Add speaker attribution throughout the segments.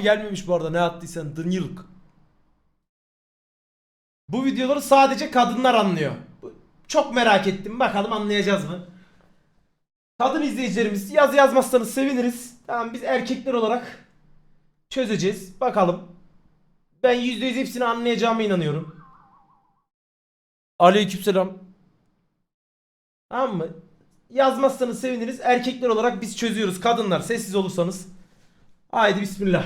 Speaker 1: gelmemiş bu arada, ne attıysan dınıyılık. Bu videoları sadece kadınlar anlıyor. Çok merak ettim, bakalım anlayacağız mı? Kadın izleyicilerimiz yazmazsanız seviniriz. Tamam, biz erkekler olarak çözeceğiz. Bakalım. Ben %100 hepsini anlayacağıma inanıyorum. Aleykümselam. Tamam mı? Yazmazsanız seviniriz. Erkekler olarak biz çözüyoruz. Kadınlar sessiz olursanız. Haydi bismillah.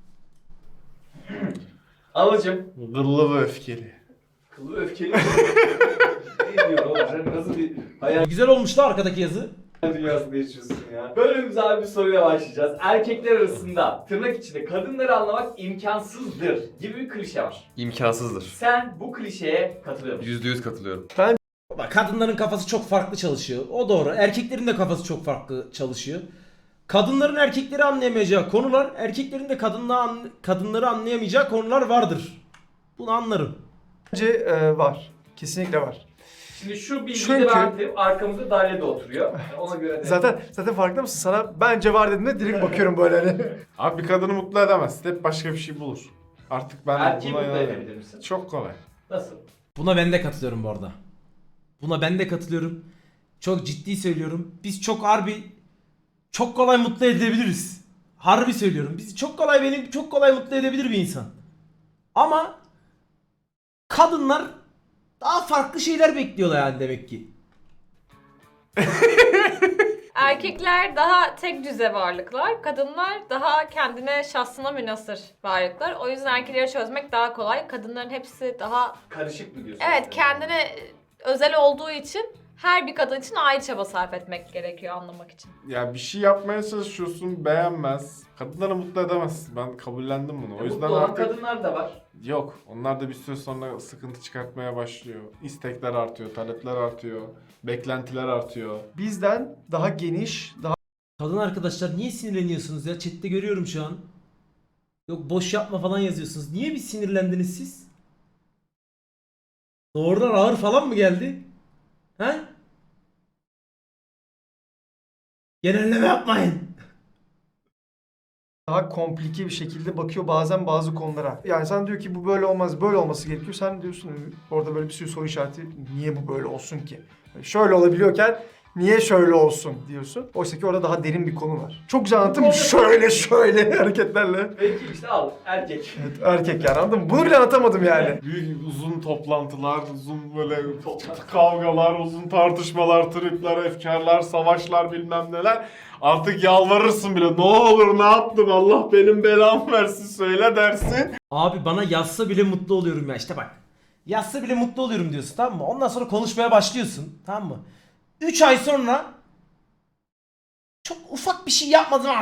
Speaker 2: Anacığım.
Speaker 3: Gırlı ve öfkeli.
Speaker 2: Kılı öfkeli. Ne diyor oğlum? Sen nasıl bir hayal
Speaker 1: Güzel olmuş da arkadaki yazı.
Speaker 2: dünyasında yaşıyorsun ya? Bölümümüze abi bir soruyla başlayacağız. Erkekler arasında tırnak içinde kadınları anlamak imkansızdır gibi bir klişe var.
Speaker 4: İmkansızdır.
Speaker 2: Sen bu klişeye katılıyor musun?
Speaker 4: %100 katılıyorum.
Speaker 1: Bak, kadınların kafası çok farklı çalışıyor. O doğru. Erkeklerin de kafası çok farklı çalışıyor. Kadınların erkekleri anlayamayacağı konular, erkeklerin de kadınları anlayamayacağı konular vardır. Bunu anlarım.
Speaker 5: Bence var. Kesinlikle var.
Speaker 2: Şimdi şu bilgiyi
Speaker 5: Çünkü-
Speaker 2: de verdim. Arkamızda Dalya da oturuyor. Ona göre de.
Speaker 5: Zaten farkında mısın? Sana bence var dediğimde direkt bakıyorum böyle hani.
Speaker 3: Abi bir kadını mutlu edemez. Hep başka bir şey bulur. Artık ben
Speaker 2: Erkeği
Speaker 3: buna
Speaker 2: mutlu
Speaker 3: inanıyorum.
Speaker 2: edebilir misin?
Speaker 3: Çok kolay.
Speaker 2: Nasıl?
Speaker 1: Buna ben de katılıyorum bu arada. Buna ben de katılıyorum. Çok ciddi söylüyorum. Biz çok kolay mutlu edebiliriz. Harbi söylüyorum. Bizi çok kolay mutlu edebilir bir insan. Ama kadınlar daha farklı şeyler bekliyorlar yani, demek ki.
Speaker 6: Erkekler daha tek düze varlıklar, kadınlar daha kendine, şahsına münhasır varlıklar. O yüzden erkekleri çözmek daha kolay. Kadınların hepsi daha,
Speaker 2: Karışık mı diyorsun?
Speaker 6: evet, kendine özel olduğu için her bir kadın için ayrı çaba sarf etmek gerekiyor anlamak için.
Speaker 3: Ya bir şey yapmaya çalışıyorsun, beğenmez. Kadınları mutlu edemezsin. Ben kabullendim bunu. O yüzden
Speaker 2: Mutlu olan
Speaker 3: artık
Speaker 2: kadınlar da var.
Speaker 3: yok. Onlar da bir süre sonra sıkıntı çıkartmaya başlıyor. İstekler artıyor, talepler artıyor, beklentiler artıyor.
Speaker 5: Bizden daha geniş, daha
Speaker 1: Kadın arkadaşlar niye sinirleniyorsunuz ya? Chat'te görüyorum şu an. Yok boş yapma falan yazıyorsunuz. Niye bir sinirlendiniz siz? Doğrudan ağır falan mı geldi? He? Genelleme yapmayın.
Speaker 5: komplike bir şekilde bakıyor bazen bazı konulara. Yani sen diyor ki bu böyle olmaz, böyle olması gerekiyor. Sen diyorsun orada böyle bir sürü soru işareti. Niye bu böyle olsun ki? Yani şöyle olabiliyorken niye şöyle olsun diyorsun. Oysa ki orada daha derin bir konu var. Çok güzel anlattım. Şöyle hareketlerle.
Speaker 2: Peki işte al erkek.
Speaker 5: Evet, erkek yani, anladın mı? Bunu bile anlatamadım yani.
Speaker 3: Büyük uzun toplantılar, uzun böyle kavgalar, uzun tartışmalar, tripler, efkarlar, savaşlar bilmem neler. Artık yalvarırsın bile. Ne olur ne yaptım, Allah benim belamı versin söyle dersin.
Speaker 1: Abi bana yazsa bile mutlu oluyorum ya, işte bak. Yazsa bile mutlu oluyorum diyorsun, tamam mı? Ondan sonra konuşmaya başlıyorsun, tamam mı? 3 ay sonra çok ufak bir şey yapmadın ama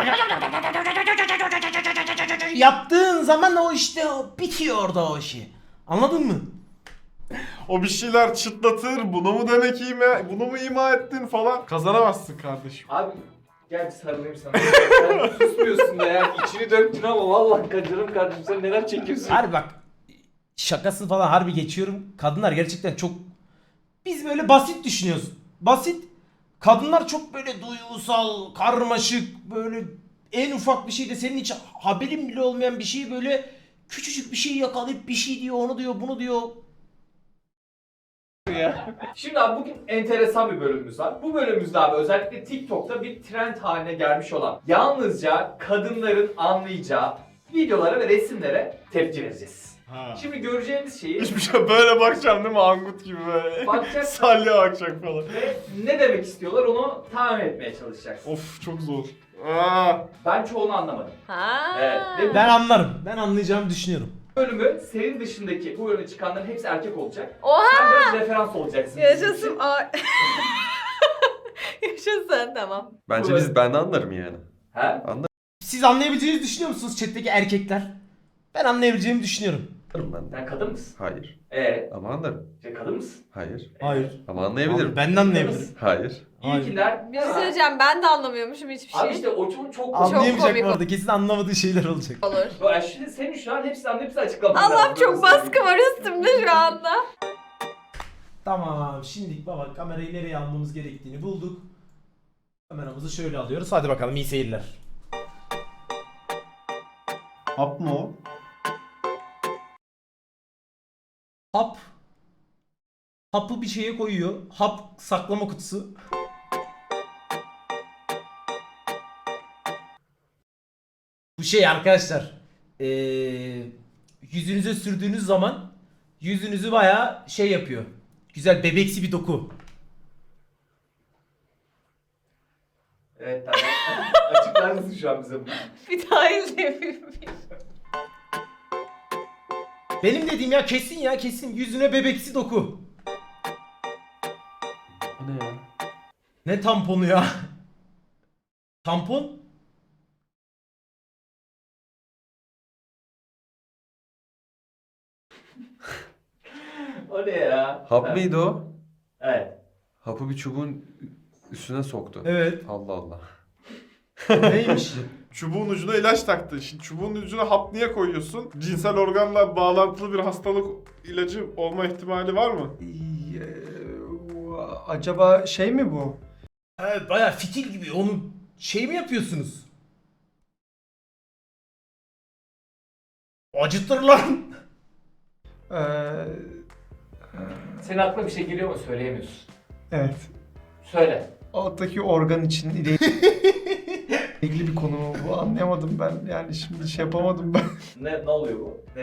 Speaker 1: yaptığın zaman o işte bitiyor orada o işi. Anladın mı?
Speaker 3: O bir şeyler çıtlatır, bunu mu demek bunu mu ima ettin falan. Kazanamazsın kardeşim.
Speaker 2: Abi gel sarılayım sana. Sen susmuyorsun da ya. İçini döktün ama vallahi canım kardeşim sen neler çekiyorsun?
Speaker 1: Harbi bak, şakası falan harbi geçiyorum. Kadınlar gerçekten çok, biz böyle basit düşünüyoruz. Basit. Kadınlar çok böyle duygusal, karmaşık, böyle en ufak bir şeyde senin hiç haberin bile olmayan bir şeyi böyle küçücük bir şey yakalayıp bir şey diyor, onu diyor, bunu diyor.
Speaker 2: Şimdi abi bugün enteresan bir bölümümüz var. Bu bölümümüzde abi özellikle TikTok'ta bir trend haline gelmiş olan yalnızca kadınların anlayacağı videolara ve resimlere tepki vereceğiz.
Speaker 3: Ha.
Speaker 2: Şimdi göreceğimiz şeyi
Speaker 3: Hiçbir şey böyle bakacağım değil mi? Angut gibi böyle.
Speaker 2: Bakacaksın.
Speaker 3: Salya bakacak falan.
Speaker 2: ve ne demek istiyorlar onu tahmin etmeye çalışacaksın.
Speaker 3: Of çok zor. Aa.
Speaker 2: Ben çoğunu anlamadım.
Speaker 6: Ha.
Speaker 2: Evet, ve
Speaker 1: Ben anlarım. Ben anlayacağımı düşünüyorum.
Speaker 2: bölümü senin dışındaki bu bölüme çıkanların hepsi erkek olacak.
Speaker 6: Oha!
Speaker 2: Sen biraz referans olacaksın. bizim
Speaker 6: Yaşasın.
Speaker 2: için.
Speaker 6: Yaşasın, tamam.
Speaker 4: Bence ben de anlarım yani.
Speaker 2: He?
Speaker 1: Siz anlayabileceğinizi düşünüyor musunuz chat'teki erkekler? Ben anlayabileceğimi düşünüyorum.
Speaker 4: Anlarım ben de.
Speaker 2: Sen kadın mısın?
Speaker 4: Hayır.
Speaker 2: Ama
Speaker 4: Ama anlarım.
Speaker 2: sen kadın mısın?
Speaker 4: Hayır.
Speaker 1: Hayır.
Speaker 4: Ama anlayabilirim.
Speaker 1: Ben de anlayabilirim.
Speaker 4: Hayır.
Speaker 1: Hayır.
Speaker 2: İlkiler
Speaker 6: Bir şey söyleyeceğim, ben de anlamıyormuşum hiçbir şey.
Speaker 2: Abi işte o çok
Speaker 1: Anlayamayacak
Speaker 6: komik
Speaker 1: bu arada. Kesin anlamadığı şeyler olacak.
Speaker 6: olur.
Speaker 2: Ya şimdi senin şu an hepsini anlayıp hepsini açıklaman
Speaker 6: Allah'ım
Speaker 2: lazım.
Speaker 6: çok baskı var üstümde şu anda.
Speaker 1: Tamam. Şimdi baba kamerayı nereye almamız gerektiğini bulduk. Kameramızı şöyle alıyoruz. Hadi bakalım, iyi seyirler.
Speaker 3: Hap mı o?
Speaker 1: Hap. Hapı bir şeye koyuyor. Hap saklama kutusu. Bu şey arkadaşlar. Yüzünüze sürdüğünüz zaman yüzünüzü bayağı şey yapıyor. Güzel bebeksi bir doku.
Speaker 2: Evet tamam. Açıklar mısın şu an bize bunu?
Speaker 6: Bir daha izleyebilir miyim?
Speaker 1: Benim dediğim ya kesin ya kesin. Yüzüne bebeksi doku.
Speaker 4: O ne ya?
Speaker 1: Ne tamponu ya? Tampon?
Speaker 2: O ne ya?
Speaker 4: Hap mıydı o?
Speaker 2: Evet.
Speaker 4: Hapı bir çubuğun üstüne soktu.
Speaker 1: Evet.
Speaker 4: Allah Allah.
Speaker 1: Neymiş?
Speaker 3: Çubuğun ucuna ilaç taktı. Şimdi çubuğun ucuna hap niye koyuyorsun? Cinsel organla bağlantılı bir hastalık ilacı olma ihtimali var mı?
Speaker 5: Acaba şey mi bu?
Speaker 1: Evet bayağı fitil gibi. Onu şey mi yapıyorsunuz? Acıtır lan.
Speaker 5: Ee,
Speaker 2: Senin aklına bir şey geliyor mu söyleyemiyorsun.
Speaker 5: evet.
Speaker 2: Söyle.
Speaker 5: Alttaki organ için ilgili bir konu mu bu? Anlayamadım ben. Yani şimdi şey yapamadım ben.
Speaker 2: Ne oluyor bu? Ne?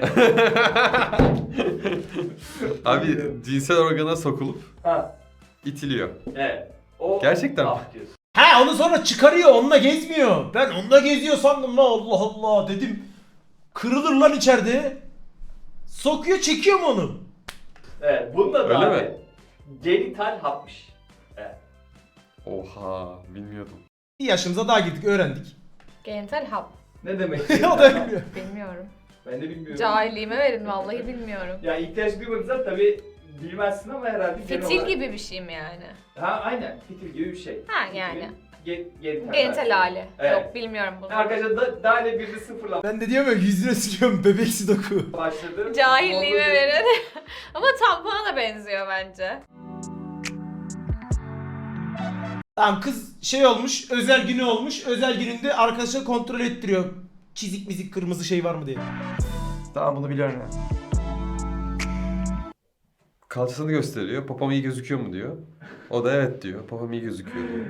Speaker 4: Abi cinsel organa sokulup
Speaker 2: Ha.
Speaker 4: itiliyor.
Speaker 2: Evet. O
Speaker 4: Gerçekten mi?
Speaker 2: hap diyorsun.
Speaker 1: Ha onu sonra çıkarıyor. Onunla gezmiyor. Ben onunla geziyor sandım lan. Allah Allah dedim. Kırılır lan içeride. Sokuyor çekiyor mu onu?
Speaker 2: Evet. Bunda da
Speaker 4: Öyle
Speaker 2: abi
Speaker 4: mi?
Speaker 2: genital hapmış. Evet.
Speaker 4: Oha bilmiyordum.
Speaker 1: Bir yaşımıza daha girdik öğrendik.
Speaker 6: Genital hap.
Speaker 2: Ne demek?
Speaker 1: O da bilmiyor.
Speaker 6: Bilmiyorum.
Speaker 2: Ben de bilmiyorum.
Speaker 6: Cahilliğime verin vallahi bilmiyorum.
Speaker 2: Ya ihtiyaç duymadıysan tabii bilmezsin ama herhalde genel
Speaker 6: Fitil
Speaker 2: olarak-
Speaker 6: gibi bir şey mi yani?
Speaker 2: Ha aynen. Fitil gibi bir şey.
Speaker 6: Ha yani.
Speaker 2: Genital.
Speaker 6: Genital hali.
Speaker 2: Evet.
Speaker 6: Yok bilmiyorum bunu.
Speaker 2: Arkadaşlar daha ne bir de sıfırla
Speaker 1: Ben de diyorum ya yüzüne sürüyorum bebeksi doku.
Speaker 2: başladı.
Speaker 6: Cahilliğime
Speaker 2: Oldu.
Speaker 6: verin. Ama tampona da benziyor bence.
Speaker 1: Tamam kız şey olmuş, özel günü olmuş. Özel gününde arkadaşa kontrol ettiriyor. Çizik mizik kırmızı şey var mı diye.
Speaker 5: Tamam bunu biliyorum ya.
Speaker 4: Kalçasını gösteriyor. Popom iyi gözüküyor mu diyor. O da evet diyor. Popom iyi gözüküyor diyor.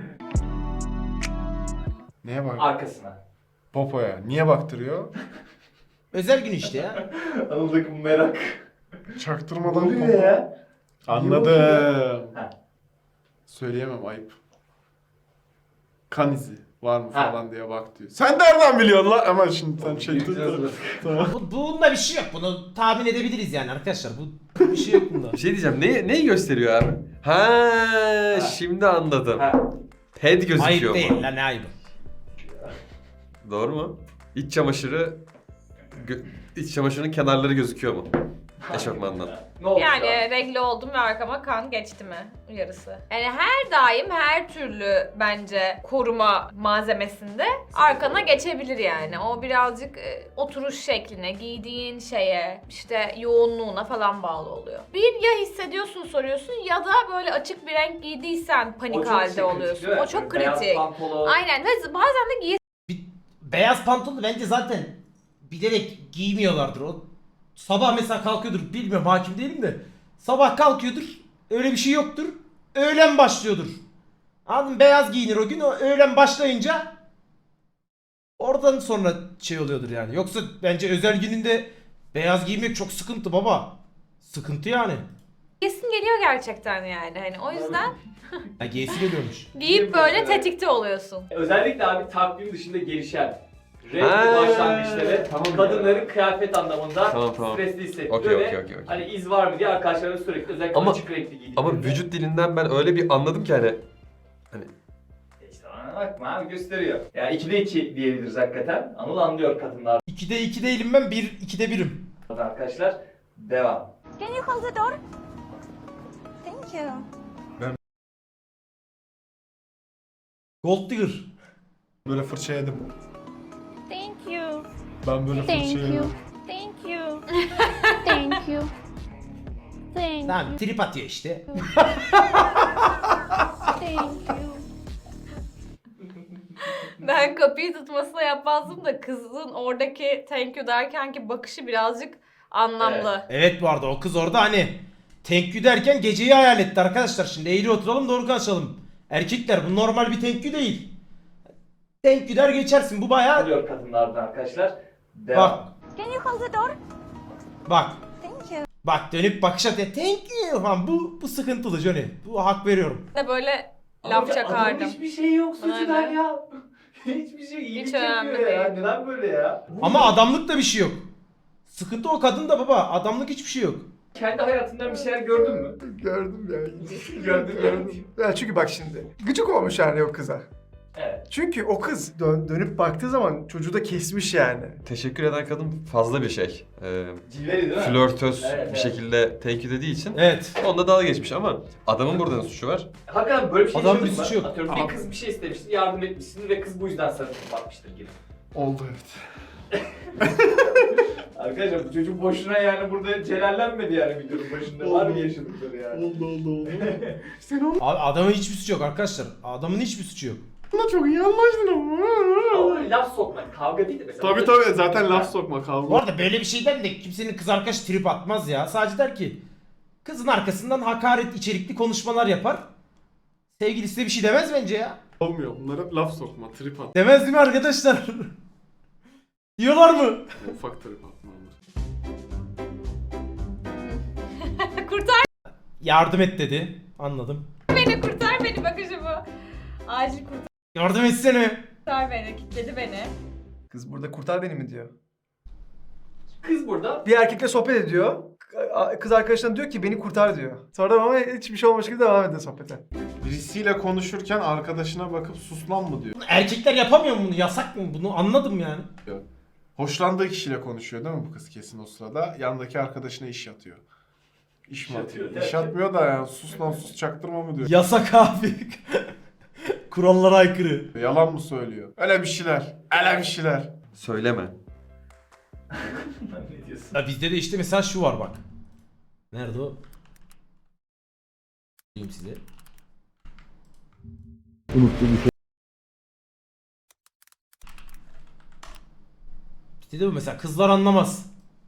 Speaker 3: Neye bak?
Speaker 2: Arkasına.
Speaker 3: Popoya. Niye baktırıyor?
Speaker 1: Özel gün işte ya.
Speaker 2: Anıldaki bu merak.
Speaker 3: Çaktırmadan
Speaker 2: Oluyor
Speaker 3: popo.
Speaker 2: ya.
Speaker 3: Anladım.
Speaker 2: Ha.
Speaker 3: Söyleyemem ayıp. Kan izi var mı
Speaker 2: Ha.
Speaker 3: falan diye bak diyor. Sen nereden biliyorsun lan? Ama şimdi sen şey
Speaker 2: Bilmiyoruz.
Speaker 3: Tamam.
Speaker 1: Bunda bir şey yok. Bunu tahmin edebiliriz yani arkadaşlar. Bu bir şey yok bunda.
Speaker 4: Bir şey diyeceğim. Neyi gösteriyor abi? Ha, şimdi anladım.
Speaker 2: Ha.
Speaker 4: Head gözüküyor
Speaker 1: Ayıp
Speaker 4: mu?
Speaker 1: değil lan ne ayıbı.
Speaker 4: Doğru mu? İç çamaşırı iç çamaşırının kenarları gözüküyor mu? Eşofmandan.
Speaker 2: Ne oldu
Speaker 6: Yani
Speaker 2: şu an?
Speaker 6: regle oldum ve arkama kan geçti mi uyarısı. Yani her daim her türlü bence koruma malzemesinde arkana geçebilir yani. O birazcık oturuş şekline, giydiğin şeye, işte yoğunluğuna falan bağlı oluyor. Bir ya hissediyorsun soruyorsun ya da böyle açık bir renk giydiysen
Speaker 2: O
Speaker 6: panik
Speaker 2: çok
Speaker 6: halde
Speaker 2: kritik,
Speaker 6: oluyorsun.
Speaker 2: değil mi?
Speaker 6: O çok
Speaker 2: Böyle beyaz
Speaker 6: kritik.
Speaker 2: pantolon.
Speaker 6: Aynen ve bazen de
Speaker 1: Beyaz pantolonu bence zaten bilerek giymiyorlardır. O sabah mesela kalkıyordur. Bilmiyorum hakim değilim de. Sabah kalkıyordur. Öyle bir şey yoktur. Öğlen başlıyordur. Anladın mı? Beyaz giyinir o gün. O öğlen başlayınca oradan sonra şey oluyordur yani. Yoksa bence özel gününde beyaz giymek çok sıkıntı baba. Sıkıntı yani.
Speaker 6: kesin geliyor gerçekten yani. Hani o yüzden
Speaker 1: Ya giysi geliyormuş.
Speaker 6: giyip böyle tetikte oluyorsun.
Speaker 2: Özellikle abi takvim dışında gelişen
Speaker 4: Ha,
Speaker 2: renk başlangıçları
Speaker 4: tamam
Speaker 2: kadınların kıyafet anlamında
Speaker 4: Tamam.
Speaker 2: stresli hissettiriyor
Speaker 4: Okey,
Speaker 2: ve
Speaker 4: okey.
Speaker 2: hani iz var mı diye arkadaşlarına sürekli özellikle
Speaker 4: Ama-
Speaker 2: açık renkli giydiklerinde.
Speaker 4: Ama vücut dilinden ben öyle bir anladım ki hani
Speaker 2: İşte bana bakma abi gösteriyor. Ya 2'de 2 diyebiliriz hakikaten. Anıl anlıyor kadınlardan
Speaker 1: 2'de 2 değilim ben. 2'de 1'im.
Speaker 2: arkadaşlar. Devam.
Speaker 7: Can you close the door? Thank you.
Speaker 1: Gold Digger.
Speaker 3: Böyle fırça yedim.
Speaker 7: Thank you.
Speaker 3: Ben böyle
Speaker 7: Thank
Speaker 3: fırça
Speaker 7: you.
Speaker 3: yedim.
Speaker 7: Thank you. Thank you. Thank
Speaker 1: Tamam
Speaker 7: you.
Speaker 1: trip atıyor işte.
Speaker 7: Thank you.
Speaker 6: Ben kapıyı tutmasına yapmazdım da kızın oradaki thank you derkenki bakışı birazcık anlamlı.
Speaker 1: Evet bu arada o kız orada hani thank you derken geceyi hayal etti arkadaşlar. Şimdi eğri oturalım doğru konuşalım. Erkekler bu normal bir thank you değil. Thank you der geçersin bu bayağı.
Speaker 2: Oluyor kadınlardan arkadaşlar. Devam.
Speaker 1: Bak
Speaker 7: Can you close the door?
Speaker 1: bak.
Speaker 7: Thank you.
Speaker 1: Bak dönüp bakış atıyor. Thank you falan bu sıkıntılı Johnny. Bu hak veriyorum.
Speaker 6: De böyle
Speaker 2: Ama
Speaker 6: laf
Speaker 2: adamın
Speaker 6: çakardım.
Speaker 2: hiçbir şey yok suçudan
Speaker 6: Aynen.
Speaker 2: ya. Hiçbir şey iyilik
Speaker 6: Hiç
Speaker 2: yapıyor
Speaker 6: önemli
Speaker 2: ya.
Speaker 6: değil.
Speaker 2: Neden böyle ya?
Speaker 1: Ama adamlık da bir şey yok. Sıkıntı o kadın da baba. Adamlık hiçbir şey yok.
Speaker 2: Kendi hayatından bir şeyler gördün mü?
Speaker 5: Gördüm ya.
Speaker 2: Gördüm.
Speaker 5: Ya çünkü bak şimdi. Gıcık olmuş yani o kıza.
Speaker 2: Evet.
Speaker 5: Çünkü o kız dönüp baktığı zaman çocuğu da kesmiş yani.
Speaker 4: Teşekkür eden kadın fazla bir şey.
Speaker 2: Cilveli değil mi?
Speaker 4: Flörtöz
Speaker 2: Evet,
Speaker 4: bir
Speaker 2: evet.
Speaker 4: şekilde thank you dediği için
Speaker 1: Evet.
Speaker 4: onda dalga geçmiş ama adamın burada ne suçu var?
Speaker 2: Hakikaten böyle bir şey
Speaker 1: Adam
Speaker 2: yaşadın
Speaker 1: bir
Speaker 2: mı?
Speaker 1: suçu yok.
Speaker 2: Atıyorum bir kız bir şey istemiştir, yardım etmişsin ve kız bu yüzden sana bakmıştır gibi.
Speaker 3: Oldu evet.
Speaker 2: Arkadaşlar bu çocuk boşuna yani burada celallenmedi yani videonun başında. Var mı yaşadıkları yani?
Speaker 3: Oldu. Sen onunla
Speaker 1: Abi adamın hiçbir suçu yok arkadaşlar. Adamın hiçbir suçu yok.
Speaker 3: çok iyi anlaştın ama.
Speaker 2: Ama laf sokmak, kavga değil de mesela.
Speaker 3: Tabii zaten laf sokma kavga.
Speaker 1: Bu arada böyle bir şeyden de kimsenin kız arkadaş trip atmaz ya. Sadece der ki kızın arkasından hakaret içerikli konuşmalar yapar. Sevgilisi de bir şey demez bence ya.
Speaker 3: Olmuyor. Bunlara laf sokma, trip at.
Speaker 1: Demez değil mi arkadaşlar? Diyorlar mı?
Speaker 3: Ufak trip atma olur.
Speaker 6: Kurtar
Speaker 1: Yardım et dedi. Anladım.
Speaker 6: beni, kurtar beni bakışı bu. Acil
Speaker 1: Yardım etsene.
Speaker 6: kurtar beni, kilitledi beni.
Speaker 5: Kız burada kurtar beni mi diyor.
Speaker 2: Kız burada
Speaker 5: Bir erkekle sohbet ediyor. Kız arkadaşına diyor ki beni kurtar diyor. Sonra ama hiçbir şey olmamış gibi devam ediyor sohbete.
Speaker 3: Birisiyle konuşurken arkadaşına bakıp sus lan mı diyor.
Speaker 1: Erkekler yapamıyor mu bunu? Yasak mı? Bunu anladım yani.
Speaker 3: Hoşlandığı kişiyle konuşuyor değil mi bu kız kesin o sırada? Yandaki arkadaşına iş yatıyor. İş mi atıyor?
Speaker 2: atıyor,
Speaker 3: İş atmıyor da yani sus lan sus çaktırma mı diyor.
Speaker 1: Yasak abi. Kurallara aykırı.
Speaker 3: Yalan mı söylüyor? Öyle bir şeyler. Öyle bir şeyler.
Speaker 4: Söyleme.
Speaker 2: ne diyorsun?
Speaker 1: Ya bizde de işte mesela şu var bak. Nerede o? Diyeyim size. Bizde de bu mesela kızlar anlamaz.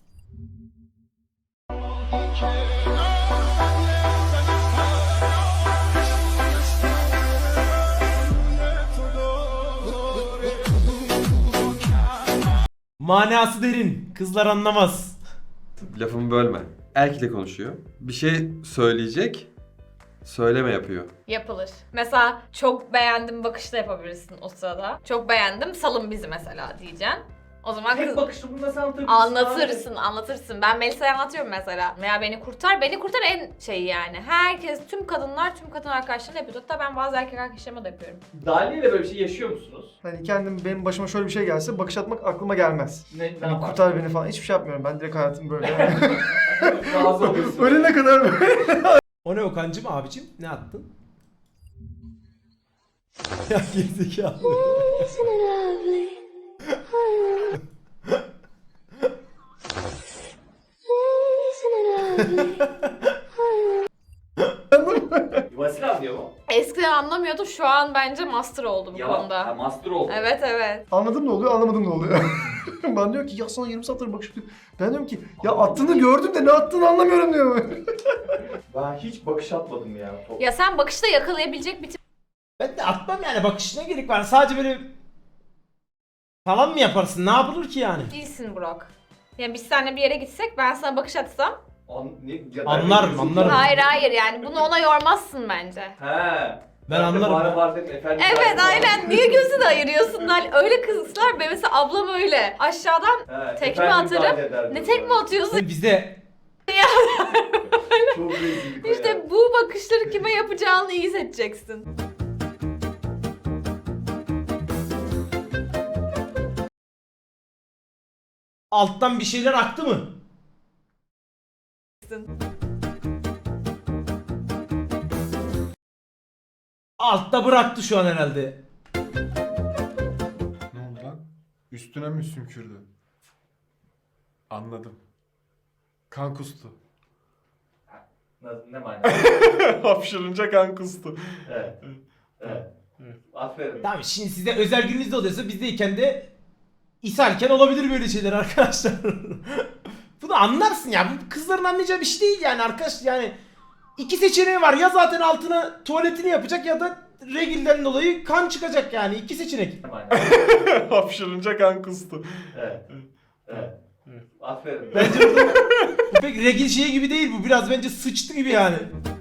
Speaker 1: Manası derin. Kızlar anlamaz.
Speaker 4: Lafımı bölme. Erkekle konuşuyor. Bir şey söyleyecek. Söyleme yapıyor.
Speaker 6: Yapılır. Mesela çok beğendim bakışla yapabilirsin o sırada. Çok beğendim salın bizi mesela diyeceksin. O zaman
Speaker 2: Tek
Speaker 6: kız...
Speaker 2: bakışta bunu nasıl anlatabilirsin?
Speaker 6: Anlatırsın. Ben Melisa'ya anlatıyorum mesela. Veya beni kurtar en şey yani. Herkes, tüm kadın arkadaşlarına yapıyor. Hatta ben bazı erkek arkadaşlarıma da yapıyorum.
Speaker 2: Dali ile böyle bir şey yaşıyor musunuz?
Speaker 5: Hani benim başıma şöyle bir şey gelse bakış atmak aklıma gelmez.
Speaker 2: Ne
Speaker 5: Hani
Speaker 2: yapar?
Speaker 5: kurtar beni falan hiçbir şey yapmıyorum. Ben direkt hayatım böyle.
Speaker 2: Razı oluyorsun.
Speaker 5: Ölene kadar böyle.
Speaker 1: O ne Okan'cım abicim? Ne attın? Ya gerizekalı.
Speaker 2: Vasil anlıyor mu?
Speaker 6: Eskiden anlamıyordu, şu an bence master oldu bu
Speaker 2: Ha,
Speaker 6: konuda.
Speaker 2: master oldu.
Speaker 6: Evet.
Speaker 5: Anladım ne oluyor, anlamadım ne oluyor. Ben diyor ki ya sana yarım saattir bakış atıyor. Ben diyorum ki ya attığını gördüm de ne attığını anlamıyorum diyor.
Speaker 2: Ben hiç bakış atmadım ya.
Speaker 6: Ya sen bakışta yakalayabilecek bir tip
Speaker 1: Ben de atmam yani bakışına gerek var. Sadece böyle falan mı yaparsın? Ne yapılır ki yani?
Speaker 6: değilsin Burak. Yani biz seninle bir yere gitsek, ben sana bakış atsam.
Speaker 1: Anlarım.
Speaker 6: Hayır yani bunu ona yormazsın bence.
Speaker 2: He.
Speaker 1: Ben anlarım.
Speaker 2: Var dedim efendim.
Speaker 6: Evet aynen, niye gözünü ayırıyorsun lan? Öyle kızlar, ben mesela ablam öyle. Aşağıdan tekme atarım. Ne tekme atıyorsun?
Speaker 1: Bizde
Speaker 2: Çok rezillik o ya.
Speaker 6: İşte bu bakışları kime yapacağını iyi seçeceksin.
Speaker 1: alttan bir şeyler aktı mı? Altta bıraktı şu an herhalde.
Speaker 3: Ne oldu lan? Üstüne mi sümkürdü? Anladım. Kan kustu.
Speaker 2: Ne manası?
Speaker 3: Hapşırınca kan kustu.
Speaker 2: Evet. Aferin.
Speaker 1: Tamam şimdi size özel gününüzde oluyorsa bizdeyken de ishalken olabilir böyle şeyler arkadaşlar. Bunu anlarsın ya. Bu kızların anlayacağı bir şey değil yani arkadaş yani. İki seçeneği var. Ya zaten altına tuvaletini yapacak ya da regilden dolayı kan çıkacak yani. İki seçenek.
Speaker 3: Hapşırınca kan kustu.
Speaker 2: Evet. Evet. Aferin.
Speaker 1: Bence burada bu pek regil şeyi gibi değil bu. Biraz bence sıçtı gibi yani.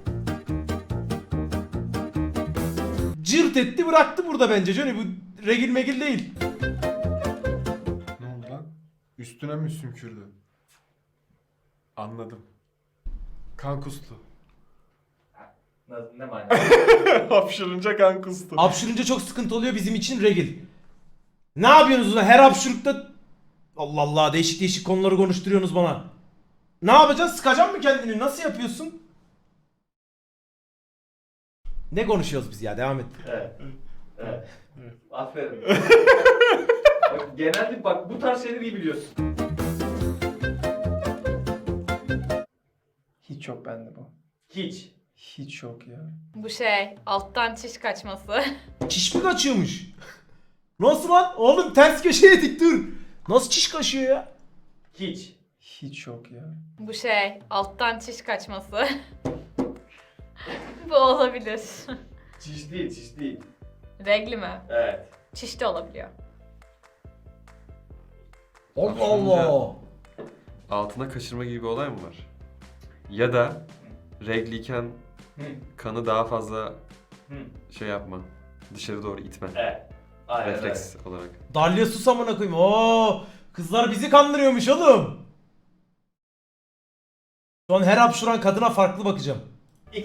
Speaker 1: Cırt etti bıraktı burada bence Johnny. Bu regil megil değil.
Speaker 3: Ne oldu lan? Üstüne mi sümkürdü? Anladım. Kan kustu.
Speaker 2: Ne manyak?
Speaker 3: Hapşırınca kan kustu.
Speaker 1: Hapşırınca çok sıkıntı oluyor bizim için regil. Ne yapıyorsunuz lan? Her hapşırıkta Allah Allah değişik değişik konuları konuşturuyorsunuz bana. Ne yapacaksın? Sıkacaksın mı kendini? Nasıl yapıyorsun? Ne konuşuyoruz biz ya? Devam et.
Speaker 2: Evet. Evet. Aferin. Bak, genelde bak bu tarz şeyleri iyi biliyorsun.
Speaker 5: Hiç yok bende bu.
Speaker 2: Hiç.
Speaker 5: Hiç yok ya.
Speaker 6: Bu şey alttan çiş kaçması.
Speaker 1: Çiş mi kaçıyormuş? Nasıl lan? Oğlum ters köşeye dik dur. Nasıl çiş kaşıyor ya?
Speaker 2: Hiç.
Speaker 5: Hiç yok ya.
Speaker 6: Bu şey alttan çiş kaçması. Bu olabilir.
Speaker 2: Çiş değil, çiş değil.
Speaker 6: Regli mi?
Speaker 2: Evet.
Speaker 6: Çiş de olabiliyor.
Speaker 1: Allah Allah.
Speaker 4: Altına kaçırma gibi bir olay mı var? Ya da regliyken
Speaker 2: Hı.
Speaker 4: kanı daha fazla
Speaker 2: Hı.
Speaker 4: şey yapma. Dışarı doğru itme.
Speaker 2: Evet. Aynen öyle.
Speaker 4: Refleks olarak.
Speaker 1: Dalya sus amına koyayım. Oo, kızlar bizi kandırıyormuş oğlum. Şu an her hapşuran kadına farklı bakacağım.